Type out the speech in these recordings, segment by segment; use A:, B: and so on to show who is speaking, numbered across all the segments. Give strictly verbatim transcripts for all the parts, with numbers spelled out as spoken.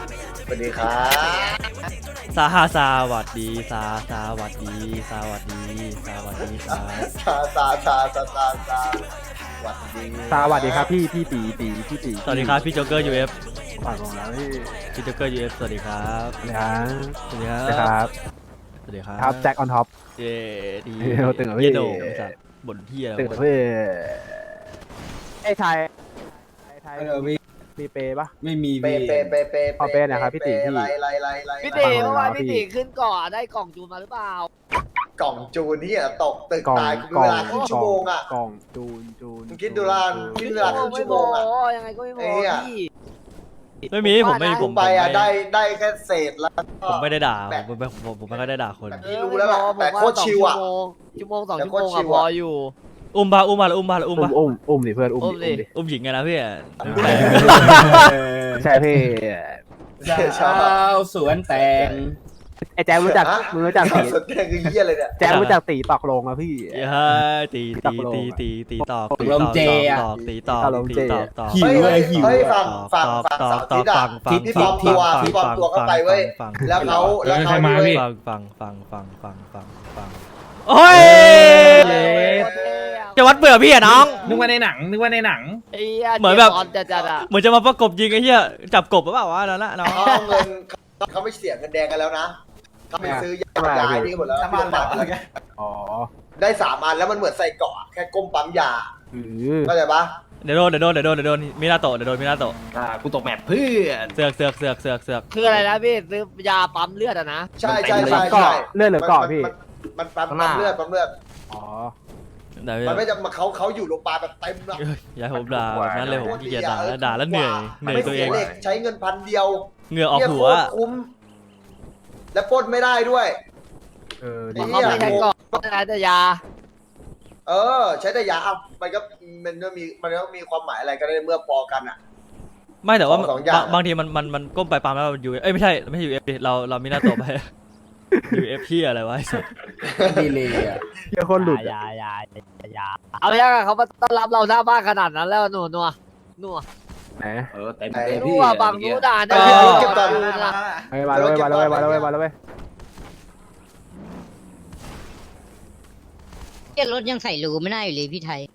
A: สวัสดีครับ
B: สาหาสวัสดีสาสวัสดีสวัสดีสวัสดีสา
A: ซาซาซาซาซาซาสวัสดี
C: สวัสดีครับพี่พี่ตีตีพี่ตี
B: สวัสดีครับพี่โจ๊กเกอร์ยูเอฟ
C: ฝากของเราพี่
B: พี่โจ๊กเกอร์ยูเอฟสวัสดีครับ
C: สวัสดีครับ
B: สวัสดีครั
C: สวัสดีครับ
B: สวัสดีครับ
C: ครับแจ็คออนท็อป
B: เย้ดี
C: เฮ้ยตื่นเหรอพี่
B: เยโดงสัตว์บ่นเที่ย
C: ตื่นพี่ไอ้ไทยไอ้ไทย
D: เออพี่
C: มีเปย์ปะ
D: ไม่มี
A: เป
D: พี่
A: เปเปเป
C: ขอเปย์หน่อยครับพี่ติ๋พี่
A: ไล่ไล่ไล่ไล่
E: พี่ตีเมื่อวานพี่ตีขึ้นเก่อนได้กล่องจูนมาหรือเปล่าก
A: ล่องจูนที่ตกตึก
C: กล่อง
A: ตายกู
C: กล่
A: เว
C: อง
A: ลาครึ่งชั่วโมงอ่ะ
C: กล่องจูนจูน
A: มึงคิดดูละ
C: จูน
A: คิดเวลาครึ่งชั่วโมงอะ
E: ไม่ยังไงก็ไม่พ
A: ไอ้
E: อ
A: เหี้ย
E: พี่
B: ไม่มีผมไม่
A: กู
B: ผม
A: ไปอ่ะ
B: ผม
A: ได้
B: ไม่
A: ได้แค่เศษแล้วก็
B: ผมไม่ได้ด่า
A: แบบ
B: ผมไม่ผมผมไม่ค่อยได้ด่าคน
A: แบบ พี่รู้แล้วล่ะแต่โคตรชิวอะ
E: ชั่วโมงสอง
A: แต่
E: ชั่ว
A: โค
E: โม
A: ตรง ชิ
E: อะ
A: ว
E: พ
A: อะ
E: ออยู่
B: อุ้มบาอุ้มบาอุ้มบาอุ้ม
C: อุ้
B: บาม
C: อุ้มอุ้มดิเพื่อนอุ้ม
E: อุ้มดิ
C: ดิ
B: อุ้มหญิงไงนะพี่
C: ใช่พี่
A: ชอบ
D: เช้าสวนแตง
C: ไอ้แจ็ครู้จักมึงรู้จักตี
A: สนใจคือเหี้ยเลยเนี่ย
C: แจ็ครู้จักตีตอกลงอะพี่
B: เฮ้ยตีตีตีตีตีตอกตีตอกตอกตีตอกตีตอกตอก
D: หิวเลยหิว
A: เฮ้ย
D: อะ
A: ฝั่งฝั่งฝั่งสาวทิศอ่ะที่ปลอมตัวที่ปลอมตัวเข้าไปเว้ยแล้วเขาแล้วเขาด้วย
B: ฟังฟังฟังฟังฟังฟังฟังโอ้ยจะวัดเบื่อพี่อะน้อง
F: นึกว่าในหนังนึกว่าในหนัง
E: ไอ้เหี้ย
B: เหมือนแบบ
E: ตอนจัดๆอะ
B: เหมือนจะมาประกบยิงไอ้เหี้ยจับกบหรือเปล่าวะนั่นละน้อง
A: เขาเอาเงินเขาไม่เสียเงินแดงกันแล้วนะเขาไปซื้อยาย้ายนี่หมดแล้ว
D: น้ำมันแบบอะไรกัน
C: อ๋อ
A: ได้สามอันแล้วมันเหมือนใส่เกาะแค่ก้มปั๊มยา
C: อือ
A: เข้าใจปะ
B: เดี๋ยวโดนเดี๋ยวโดนเดี๋ยวโดนเดี๋ยวโดนมินาโตะเดี๋ยวโดนมินาโตะ
F: อ่ากูตกแมปเพื่อน
B: เสือกเสือกเสือกเสือกเสือก
E: คืออะไรนะพี่ซื้อยาปั๊มเลือดอะนะ
A: ใช่ใช่ใช่
C: เกาะ
A: ใช่
C: เลือดหรือเกาะพี่
A: มันปั๊มปั๊มเลือดปั๊มเลือด
C: อ๋อ
B: เดี๋ยว
A: มันไม่จะมาเขาเขาอยู่โรงพยาบาลแบบเต็มอะ
B: อย่าให้ผมด่าแบบนั้นเลยผมขี้เกียจด่าแล้วด่าแล้วเหนื่อยเหนื่อย
A: ไม่
B: ตัวเอ
A: เสีย
B: ง
A: เหล็กใช้เงินพันเดียว
B: เหงื่อออก
A: เนี่ย
B: หั
A: โคว ตรคุ้ม และปล้นไม่ได้ด้วย
C: เออ
E: เพ
C: ดี
E: ราะเขาไม่ใช่กล่องเขาใช้แต่ยา
A: เออ ใช้แต่ยาเอามันก็มันก็มีมันก็มีความหมายอะไรก็ได้เมื่อพอกันอ่ะ
B: ไม่แต่ว่า
A: สองอย่าง
B: บางทีมันมันมันก้มไปปั๊มแล้วยูเอ้ยไม่ใช่ไม่ใช่ยูเอฟเราเรามินาโตะไปยูเอฟพี่อะไรวะไอ้สัส
D: ดีเลยอ่ะ
C: เหี้ยคนหลุด
E: ยายายายาเอาไปยังอะเขามาต้อนรับเราหน้าบ้านขนาดนั้นแล้วหนูนัวนัว
C: ไหน
D: เออเต็ม
A: ไอ้
D: เต็ม
E: รู้
D: พี่
E: ว่าบางรู้ด่า
A: เอ
E: เนี่ย
A: อเก็บก่อน
C: เฮ้ยมาแล้วเว้ยมาแล้วเว้ยมาแล้วเว้ยมาแล้วเว้ย
G: เกียรถยังใส่รูไม่น่าอยู่เลยพี่ไทย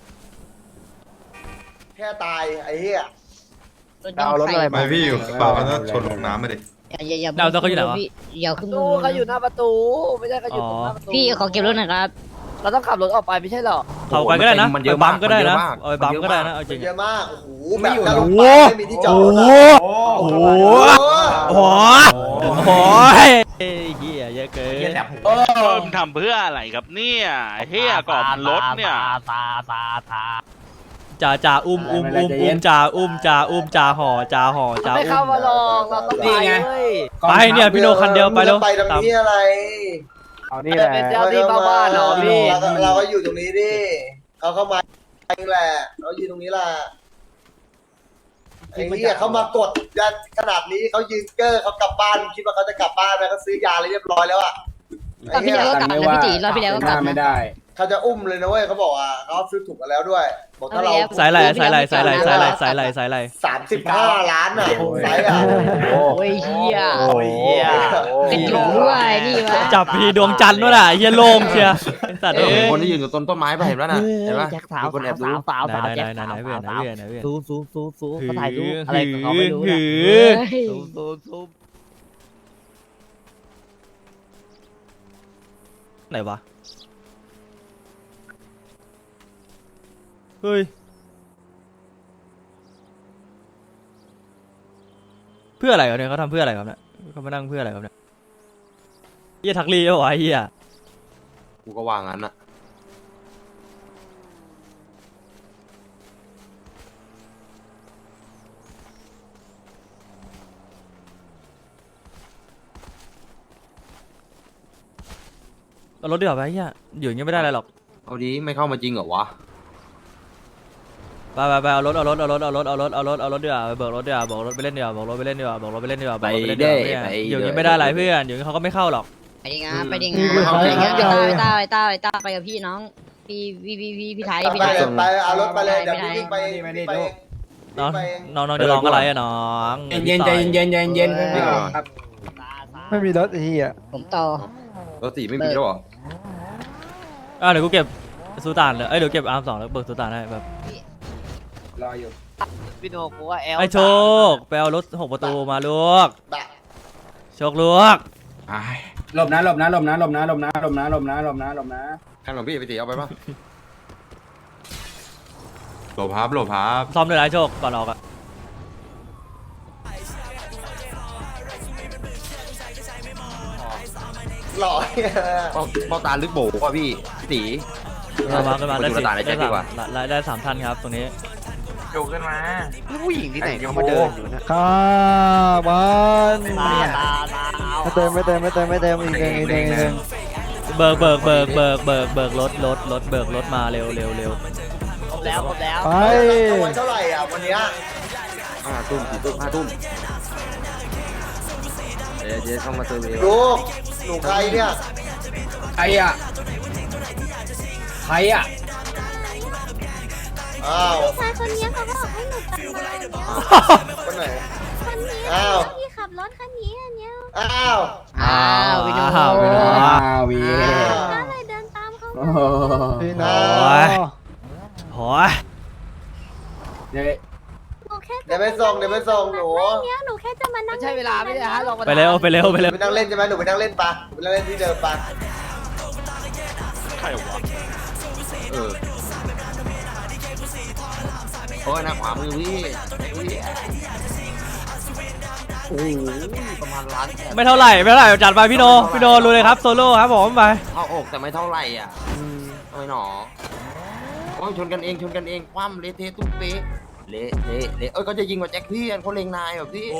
A: แค่ตายไอ้เหี้ย
G: รถยัง
C: เอารถ
G: ใส่
C: อะไร
H: ไม่พี่อยู่กระเป๋ามันต้องชนลงน้ำมาดิ
G: อย่าอย่าอย่า
B: ดาวเขาอยู่ไหนวะ
G: พี่อย่าขึ้น
E: ตู้เขาอยู่หน้าประตู ไม่ใช่เขาอยู่ตรงหน้าประตู
G: พี่ขอเก็บรถหน่อยครับ
E: เราต้องขับรถออกไปไม่ใช่เหรอ
B: เขาไปก็ได้นะ
D: มันเยอะ
B: ไปบัม
D: มาก
B: ก็ได้นะ
D: มันเยอะมาก
B: เอาไปบัมก็ได้นะเอาจริง
A: เยอะมากโอ้โห
D: ไม่
A: แบบ
D: อยู่
A: จะลง
B: โอ้
A: ไป
B: โห
A: ไม่มีที่จอด
B: โอ้
A: รถ
B: โห
A: อะ
B: โอ้โหโอ้โหโอ้โหเฮ้ยเหี้ยเยอะเกิน
F: โอ้
I: เพิ่มทำเพื่ออะไรครับเนี่ยเฮียก่อนรถเนี่ย
E: ตาตาตา
B: จ่าจ่าอุ้มอุ้มอุ้มอุ้มจ่าอุ้มจ่าอุ้มจ่าห่อจ่าห่อจ่า
E: ไม่
B: อุ้
E: เข้าม มาลองเราต้องไปเว้ย
B: ไปเนี่ยพี่โนคันเดียวไปแล้ว
A: มึงจะไปตรงนี้อะไร
C: เอานี่แหละ
E: เป็นเจ้าที่บ้านๆเหรอพี่
A: เราก็เราก็อยู่ตรงนี้ดิเขาเข้ามาเองแหละเราอยู่ตรงนี้แหละไอ้เหี้ยเขามากดยันขนาดนี้เขายืนเกอร์เขากลับบ้านคิดว่าเขาจะกลับบ้านแล้วเขาซื้อยาอะไรเรียบร้อยแล้วอ่ะ
G: ตอนพี่แล้วก็กลับนะพี่ตีรอบพี่แล้วก็กลับ
D: ไม่
G: นะ
D: ได้
A: เขาจะอุ้มเลยนะเว้ยเขาบอกว่าเขาซื้อถูกกันแล้วด้วย บอกถ้าเรา
B: สายไหลสายไหลสายไหลสายไหลสายไหลสายไหล
A: สามสิบห้าล้านอ่ะไซส์อ่ะ
C: โอ้
G: โอ้ยเฮีย
C: โอ้ยเหี้ย
G: กระจุกด้วยนี่วะ
B: จับพีดวงจันทร์ด้วยน่ะเฮียโลมเชียไอ้สัตว์
D: เอ
B: เอ้
D: อย คนที่ยืนอยู่ต้นต้นไม้ไปเห็นแล้วนะเห็นปะ
E: แจ็คสาว
D: มีคนแอบดู
E: สาวสาว
B: ไหน
E: สาว
B: ไหน
E: แจ็ค
B: ไหน
E: สาว
B: ไหนเพื่อนไหน
E: สาว
B: เพื่อนไหนเพื่อน
E: ซูซูซูซู
B: หื
E: เขาถ่ายรูป
B: อ
E: อะไรของเขาไม่รู้
B: หื
E: นะ
B: อ
G: เฮ้ย
E: ซูซูซู
B: ไหนวะเฮ้ยเพื่ออะไรครับเนี่ยเขาทำเพื่ออะไรครับเนี่ยเขามานั่งเพื่ออะไรครับเนี่ยเฮียทักลีเอาไว้เฮีย
D: กูก็ว่างั้นอ่ะ
B: เอารถดีกว่าไปเฮียอยู่อย่างเงี้ยไม่ได้อะไรหรอก
D: เอาดีไม่เข้ามาจริงเหรอวะ
B: ไปไปไปเอารถเอารถเอารถเอารถเอารถเอารถเอารถดีกว่าไปเบิกรถดีกว่าเบิกรถไปเล่นดีกว่าเบิกรถไปเล่นดีกว่าเบิกรถไปเล่นดีกว่าเบิกรถไปเล่นดีกว่าเพื่อนอยู่อย่างเงี้ยไม่ได้อะไรเพื่อนอยู่อย่างเงี้ยเขาก็ไม่เข้าหรอก
G: ไปดิงานไปดิงานไปดิงานไปต้าไปต้าไปต้าไปกับพี่น้องพี่พี่พี่พี่พี่ไทยพี่
A: ไป
G: ไทย
A: เลยไปเอารถไปเลยเดี๋ยวพี่วิ่งไป
D: ไม่ได้
A: ไป
D: ไม่ได้
B: น้อง
A: ไปเอง
B: น้องน้องจะร้องอะไรอะน้อง
C: เย็นใจเย็นเย็นเย็นไม่ออกครับ
E: ไม่มีรถ
G: ผมต่อ
D: รถสีไม่มีแล้วเหรอ
B: อ่ะเดี๋ยวกูเก็บซูตานเลยเอ้ยเดี๋ยวเก็บอาร์มสองแล้วเบิกซูตานให้แบบ
C: รออยู่
E: พี่โนกูว่าแอล
B: ไอ้โชคไปเอารถหกประตูมาลูก
A: บะ
B: โชคลูก
C: หลบนะหลบนะหลบนะหลบนะหลบนะหลบนะหลบนะหลบนะหลบนะ
D: ข้างหลังพี่ไปตีเอาไปป่ะ
H: โหลพับโหลพับ
B: ซ้อมด้วยนะไอ้โชคก่อนออกอะ
A: หล่อ
D: เป้าเป้าตาลึกโบว่ะพี่ตี
B: เอามาขึ้นมาได้
D: ดู
B: สิ
D: ตาในแจ็
B: ได้
D: ค
B: สา
D: ดี
B: ม
D: กว่า
B: ได้ได้สามท่านครับตรงนี้
C: ผู้หญิงที่ไหนเขามาเดินอยู่นะ
E: ตาตาตาเอา
C: เติมไม่เติมไม่เติมไม่เติมอีกหนึ่งอีกหนึ่งอีกหนึ่ง
B: เบิกเบิกเบิกเบิกเบิกเบิกรถรถรถเบิกรถมาเร็วเร็วเร็ว
E: ครบแล้วครบแล้ว
C: ไป
A: รางวัลเท่าไหร่อ่ะวันเนี้ย
D: ห้าทุ่มสี่ทุ่มห้าทุ่มเดี๋ยวเดี๋ยวเข้ามาเติมเอง
A: ลูกหนูใครเนี่ย
C: ใครอ่ะใครอ่ะ
A: อ้าว
G: ชายคนนี้เขาบอกให้หนูตัดคนนี้
A: คนไหน
G: คนนี้
A: อ้าว
G: ที่ขับรถคันนี้อันเนี้ย
A: อ้าว
B: อ้าววินอ้าววิน
C: อ้าววี
G: ก็เลยเดินตามเขา
C: โอ้
G: มา
C: โห
A: อ้าว
B: โอ้ย
C: เดี๋ยว
G: หนูแค่
A: เดี๋ยวไปส่งเดี๋ยวไปส่งหนู
G: เนี้ยหนูแค่จะมานั่
E: ไม่
G: ง
E: ใช่เวลาไม่ได้ฮะลองมา
B: ไปเร็วไปเร็วไปเร็ว
A: ไปนั่งเล่นใช่ไหมหนูไปนั่งเล่นปะไปนั่งเล่นที่เดิมปะ
I: ใครวะ
D: เออโอ้ยหน้าขวามือพี่โอ้โหประมาณล้านแปด
B: ไม่เท่าไหร่ไม่เท่าไหร่จัดไปพี่โนพี่โนรู้เลยครับโซโล่ครับผมไป
D: เข้าอกแต่ไม่เท่าไหร่อ่ะทำไมหนอโอ้ยชนกันเองชนกันเองคว่ำเละเทะตุ้มเป๊ะเละเละเละเอ้ยก็จะยิงกว่าแจ็คพี่เขาเล็งนายแบบพี่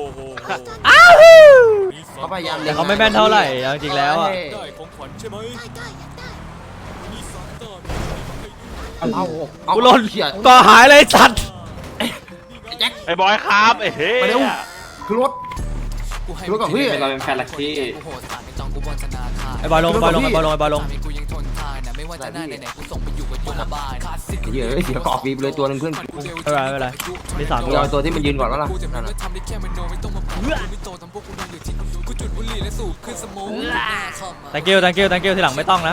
D: เขาพยายาม
B: แต่เขาไม่แม่นเท่าไหร่เอาจริงแล้วอะ
D: เอาเอา
B: กูหล่น
D: เขี่ย
B: ก็หายเลยสัตว์
D: ไอ้แจ็ค
I: ไอ้บอยครับไอ้เฮ้ย
D: มาเร็วคือรถคือรถกับพี่
C: เราเป็นแฟนลักกี้
B: ไอ้บอยลงไอ้บอยลงไอ้บอยลงไอ้บอยลง
D: เดี๋ยวเดี๋ยวกรอบฟีบเลยตัวหนึงเพื่อน
B: ไม่เป็นไรไม่เป็นไรมีสาม
D: กู
B: ตัว
D: เอาตัวที่มันยืนก่อนวะล่ะนั่นน่ะ
B: thank you thank you thank you ทีหลังไม่ต้องนะ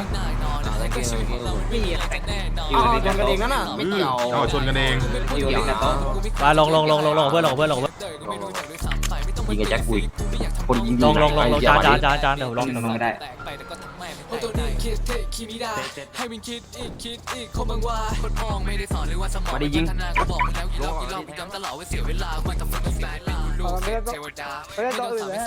D: อ๋อชนกันเองนั่นน่ะไม่เกี่ยว
H: เอาชนกันเอง
D: ไม่เกี่ยว
B: ไปลงลงลงลงลงกับเพื่อนลงกับเพื่อนลงกับเพื่อน
D: ยิงไอ้แจ็คกุยคนยิง
B: ลงลงลงลง
D: ไอ้
B: จาน
D: เหี้ย
B: จานจานจานเดี๋ยวลง
C: ไม่ได้
D: มาดิยิง
C: ไม่ได้ตัวอื่นเลย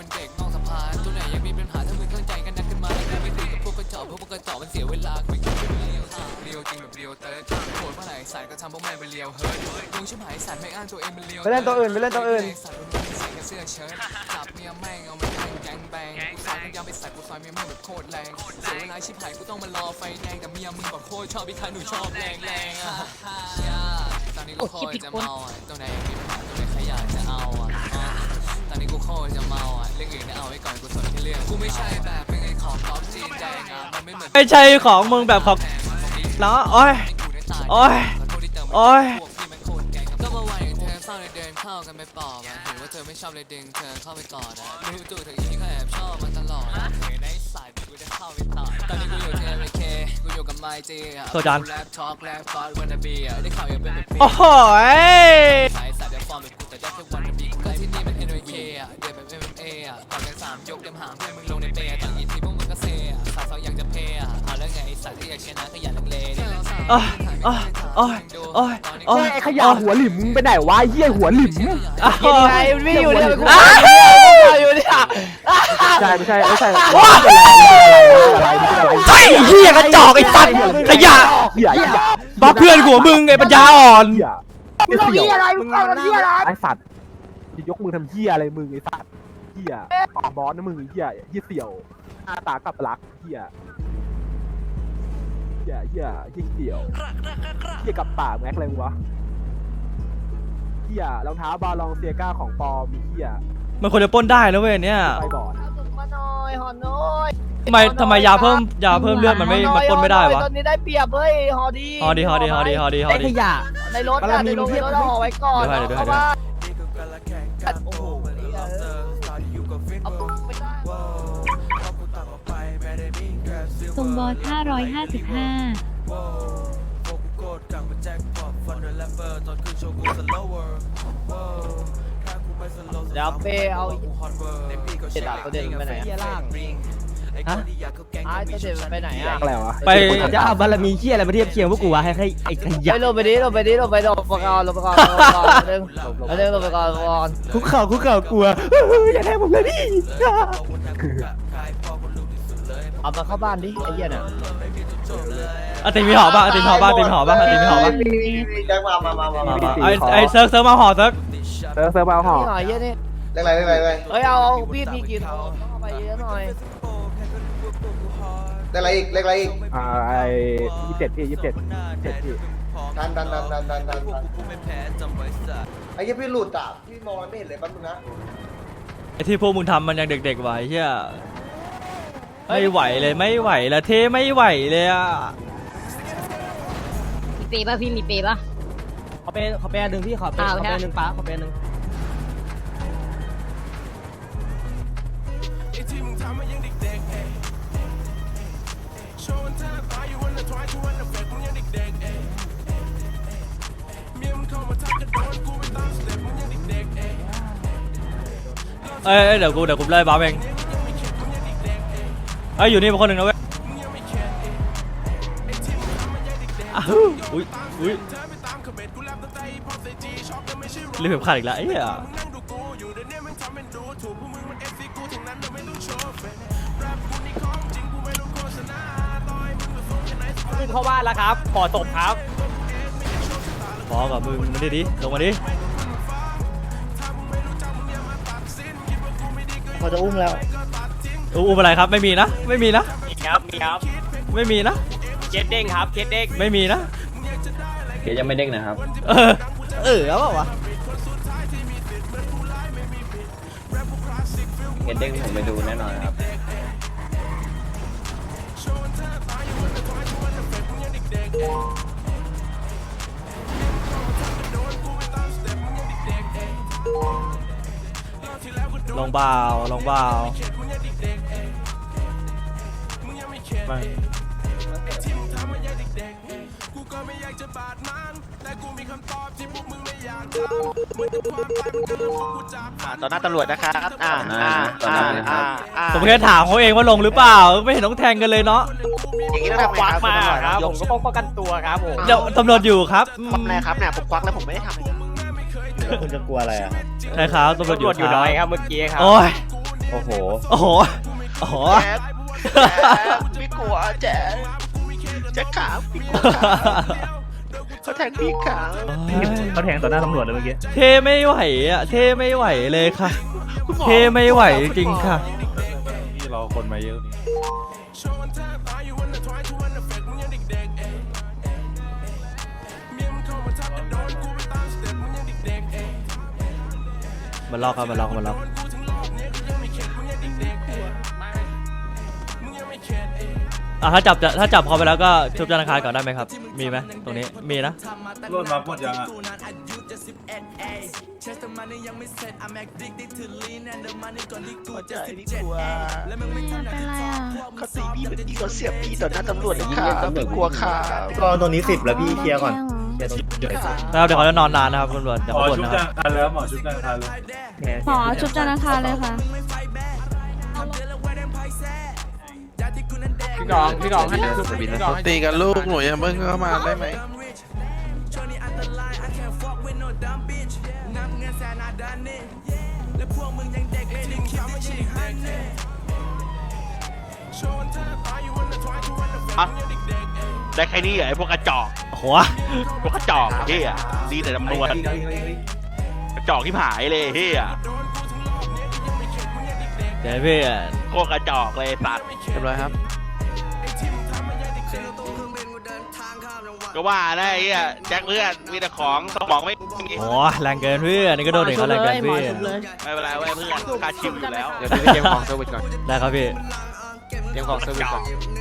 C: ไปเล่นตัวอื่นไปเล่นตัวอื่น
G: โอ้คิดผิดคน
B: ไม่ใช่ของมึงแบบของเนาะโอ้ยโอ้ยโอ้ย
J: ก็มาวันอย่างเธอเศร้าเลยเดินเข้ากันไปปอบอ่ะเห็นว่าเธอไม่ชอบเลยดึงเธอเข้าไปกอดอ่ะรู้ตัวเธออีกทีก็แอบชอบมันตลอดอ่ะเห็นในสายที่กูจะเข้าไปต่อตอนนี้กูอยู่ที่ เอ เค กูอยู่กับไมจีอ่ะ
B: โทษจาน
J: แรปทอล์กแรปฟอสวันนาบีอ่ะได้ข่าวยังเป็นแบบปี
B: โอ้โหย
J: สายสายเดี๋ยวฟอร์มแบบกูแต่ได้แค่วันนาบีก็ที่นี่มัน เอ็น เค อ่ะเดี๋ยวแบบ เอ็ม เอ็ม เอ อ่ะต่อกันสามยกเต็มหางเพื่อนมึงลงในเปย์ต่างอีกทีพวกมึงก็เซอ่ะสายสองอยากจะเพย์อ่ะเอาแล้วไงสายที่อยากชนะก็อย่าลังเลดิ
B: โอ้ยโอ้ยโอ้ยโอ้ยโอ้ย
C: ไอ้ขยะหัวหลิมไปไหนวะเหี้ยหัวหลิม
B: โอ้ย
E: ไม่อยู่เนี่ยกู
B: อ้าว
E: อยู่เนี่ย
C: ใช่ไม่ใช่ไม่ใช่
B: ว้า
C: อะไรไม่ใช่อะไร
B: ไอ้เหี้ยกระจอกไอ้สัตว์ขยะ
C: เหี้ยเหี้ย
B: บัฟเพื่อนหัวมึงไอ้ปัญญาอ่อน
C: เหี้ยมึงทำเหี้ยอะไรมึงทำเหี้ยอะไรไอ้สัตว์จะยกมือทำเหี้ยอะไรมึงไอ้สัตว์เหี้ยปากบอสนะมึงไอ้เหี้ยเหี้ยเสี่ยวหน้าตากับลักเหี้ยเหี้ยเหี้ยเหี้ยเสี่ยวเหี้ยกับปากแม็กอะไรวะเหี้ยรองเท้าบาลองเซียก้าของปลอมเหี้ย
B: มันควรจะปล้นได้นะเว้ยเนี่ย
C: ไปบอด
G: เอาถุงมาหน่อย
E: อยหอน้อย
B: ทำไมทำไมยาเพิ่มยาเพิ่มเลือดมันไม่มันปนไม่ได้วะ
E: ตอนนี้ได้เปรียบเฮ้ยหอดี
B: ฮอดีฮอดีฮอดีฮอดีฮอ
C: ไอ้ข
B: ดี
C: ยะ
E: ในรถอะในรถในรถห่อไว้ก่อน
B: เดี๋ยวให้เดี๋ยวให้
E: เข้าบ้านโอ้โหเอาไม่ได้
G: ทรงบอสห้าร้อยห้าสิบห้า
E: เดี๋ยวเป้เอาเจ็ดดาบตัวเด่นไปไหนอะ
C: ล่าง
B: ฮะ
E: ไอ้ตัวเด่นมันไปไหนอะ
C: อะไรวะ
B: ไป
C: จะเอาบารมีเชี่ยอะไรมาเทียบเคียงพวกกูวะให้ให้ไอ้ขยะ
E: ไปลงไปดิลงไปดิลงไปลงไปก่อนลงไปก่อนลงไปก่อนเรื่องเรื่องลงไปก่อนก่อน
C: คุกเข่าคุกเข่ากลัวอย่าแทงผมเลยพี่
E: เอามาเข้าบ้านดิไอ้เหี้ยน่ะ
B: อาติมีหอป่ะอาติมีหอป่ะอาติมีหอป่ะอาติมีหอป่ะ
A: แจ็คมามามามา
B: มา
A: มา
B: มาไอไอเซิร์ฟเซิร์ฟมาหอเซิร์ฟ
C: เซิร์ฟเซิร์ฟเอาห่อ
E: นี่หน่อยเยอะนี่
A: เรื่องอะไรเรื่องอะไรเรื่องอะไร
E: เฮ้ยเอาเอาพี่มีกี่ตัวเอาไปเยอะหน่อย
A: เรื่องอะไรอีกเรื่องอะไรอีก
C: อ่าไอ้ยี่สิบเจ็ดพี่ยี่สิบเจ็ดเจ็ดพี่
A: ดันดันดันดันดันดันดันไอ้ยี่พี่หลุดอ่ะพี่มองไม่เห็นเลยแป๊บนึงนะ
B: ไอที่พวกมึงทำมันยังเด็กๆไว้เฮียไม่ไหวเลยไม่ไหวละเทไม่ไหวเลยอ่ะ
G: มีเปย์ป่ะพี่มีเปย์ป่ะ
C: เขาเป็นเขาเป็นหนึ่งพี่ขอเป็น
G: อ่า
C: ขอ
G: ใช่
C: เป็นหนึ่งป้าขอเป็นหนึ่ง
B: เอ้ยเอ้ยเดี๋ยวกูเดี๋ยวกูไล่บ้าเองเอ้ยอยู่นี่เป็นคนหนึ่งนะเว้ยอ้าวอุ้ยอุ้ยรีบเข็มขัดอีกแล้วไอ้เหี้ย
C: ขึ้นเข้าบ้านแล้วครับขอตบครับ
B: พอกับมึงมาดิดิลงมาดิ
E: เขาจะอุ้มแล้ว
B: อู้อู้อะไรครับไม่มีนะไม่มีนะ
C: มีครับมีครับ
B: ไม่มีนะ
C: เคสเด้งครับเคสเด้ง
B: ไม่มีนะ
F: เดี๋ยวยังไม่เด้งนะครับ
B: เออเออแล้วเปล่าวะ
F: เดี๋ยวเด้งผมไปดูแน่นอนครับ
B: ลงเบาลงเบาไม่
I: ต่อหน้าตำรวจนะครับอ่าอ่าอ่าอ่าอ่า
B: ผมแค่ถามเขาเองว่าลงหรือเปล่าไม่เห็นต้องแทงกันเลยเนาะ
I: อย่างนี้ต้องทำไงครับ
C: มาครับ
I: ย
C: ผ
I: ก
C: มก็ป้องกันตัวครับผม
B: เดี๋ยวตำรวจอยู่ครับอืม
I: ทำอะไรครับเนี่ยผมควักแล้วผมไม่ได้ทำอะไรครับ
F: คุณจะกลัวอะไรอ่ะ
B: ใช่ครับตำรวจอยู่
C: ตำรวจอยู่น้อยครับเมื่อกี้ครับ
B: โอ้ย
F: โอ้โห
B: โอ้โหโอ้โห
I: แจ๊คแจ๊คไม่กลัวแจ๊คแจ๊คขาพี่กลัวขาเขาแทงพี่ขา
F: เขาแทงต่อหน้าตำรวจเลยเมื่อกี้
B: เทไม่ไหวอ่ะเทไม่ไหวเลยค่ะ เทไม่ไหวจริงๆค่ะ
H: นี่เราคนมาเยอะนี่
B: มันล็อกครับมันล็อกมันล็อกอ่ะถ้าจับจะถ้าจับเขาไปแล้วก็ชุบธนาคารก่อนได้ไหมครับ มีไหมตรงนี้มีนะ
H: รถมาหมดยังอ่ะ
G: เป็นไรอ่ะ
I: เขาตีพี่แบบนี้เขาเสียบพี่ต่อหน้าตำรวจนะครับพี่กลัวขา
F: ก็ตรงนี้สิบแล้วพี่เคลียร์ก่อน
B: แล้วเดี๋ยวเขาจะนอนนานนะครับตำรวจเดี๋ยว
H: หมอ
B: เขาบ่น
H: ชุบ
B: นะครับ
H: จังทันแล้วหมอชุบจังทันเลย
G: หมอชุบจันทร์อังคารเลยค่ะ
C: พี่กองพี่กองให้พี่กองให้
I: ตีกันลูกหนูยังเพิ่งเข้ามาได้ไหม ได้แค่นี้เหรอไอ้พวกกระจอก
B: หัว
I: พวกกระจอกเฮียดีแต่จำนวนกระจอกที่หายเลยเฮีย
B: เดี๋ยวพี่
I: พวกกระจอกเลยสัตว์เรียบร้อยครับก็ว่าได้ไอ้เหี้ยแจ็คเพื่อนมีแต่ของสมองไม่มี
B: โอ้แรงเกินเพื่อนนี่ก็โดนเด็กเขาแรงเกินพี่
I: ไม่เป็นไรเว้ยเพื่อนค่าชิวอยู่แล้ว
E: เดี๋ยวพี่ไปเตรียมของเซอร์วิสก่อน
B: ได้ครับพี่
E: เตรียมของเซอร์วิสก่อน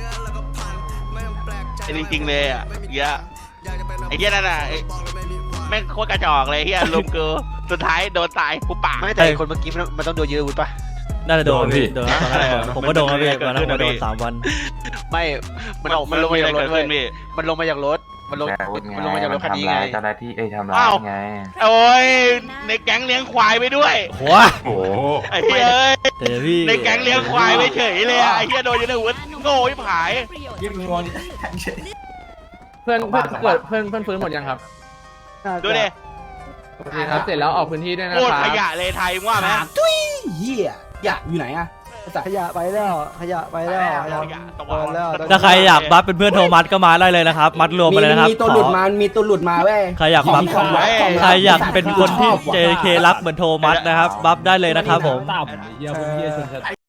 I: ไอ้จริงๆเลยอ่ะเหี้ยไอ้เหี้ยนั่นน่ะไอ้แม่งโคตรกระจอกเลยเหี้ยลุมกูสุดท้ายโดนตายกูปาก
E: ไม่แต่คนเมื่อกี้มันมันต้องโดนยืดอาวุธป่ะ
B: น่าจะโดนพี่โดนตอนนั้นผมก็โดนครับพี่ตอนนั้นผมโดนสามวัน
E: ไม่ มันออกมันลงมาจากรถเว้ยมันลงมาจากรถ มันลงมันลงมาจากรถคันนี้ไง
F: เจ้าหน้าที่เอ้ยทำร้าย
I: อ้าว
F: ไง
I: โอ้ยในแก๊งเลี้ยงควายไปด้วย
B: โอ้ย
F: โอ้โห
I: ไอ้เหี้ยเอ้ย
B: แต่พี่
I: ในแก๊งเลี้ยงควายไปเฉยเลยอ่ะไอ้เหี้ยโดนยูนิเวิร์สโง่ที่ผาย
C: เพื่อนเพื่อนเกิดเพื่อนเพื่อนฟื้นหมดยังครับ
I: ดูดิ
C: โอเคครับเสร็จแล้วออกพื้นที่ด้วยนะ
I: โคตร
C: ค
I: ข
C: รับ
I: ยะเลยไทยว่าไหม
C: เหี้ยอยากอยู่ไหนอะขยะไปแล้วขยะไปแล้ว
I: ขยะตะวันแล้ว
B: ถ้าใครอยากบัฟเป็นเพื่อนโทมัสก็มาได้เลยนะครับ มัดรวมมาเลยนะครับ
C: มีตัวหลุดมามีตัวหลุดมาเว้ย
B: ใครอยากบัฟ
C: ของลับของลับ
B: ใครอยากเป็นคนที่ เจ เค รักเหมือนโทมัสนะครับ บัฟได้เลยนะครับผม
C: เหี้ยพวกเหี้ยชน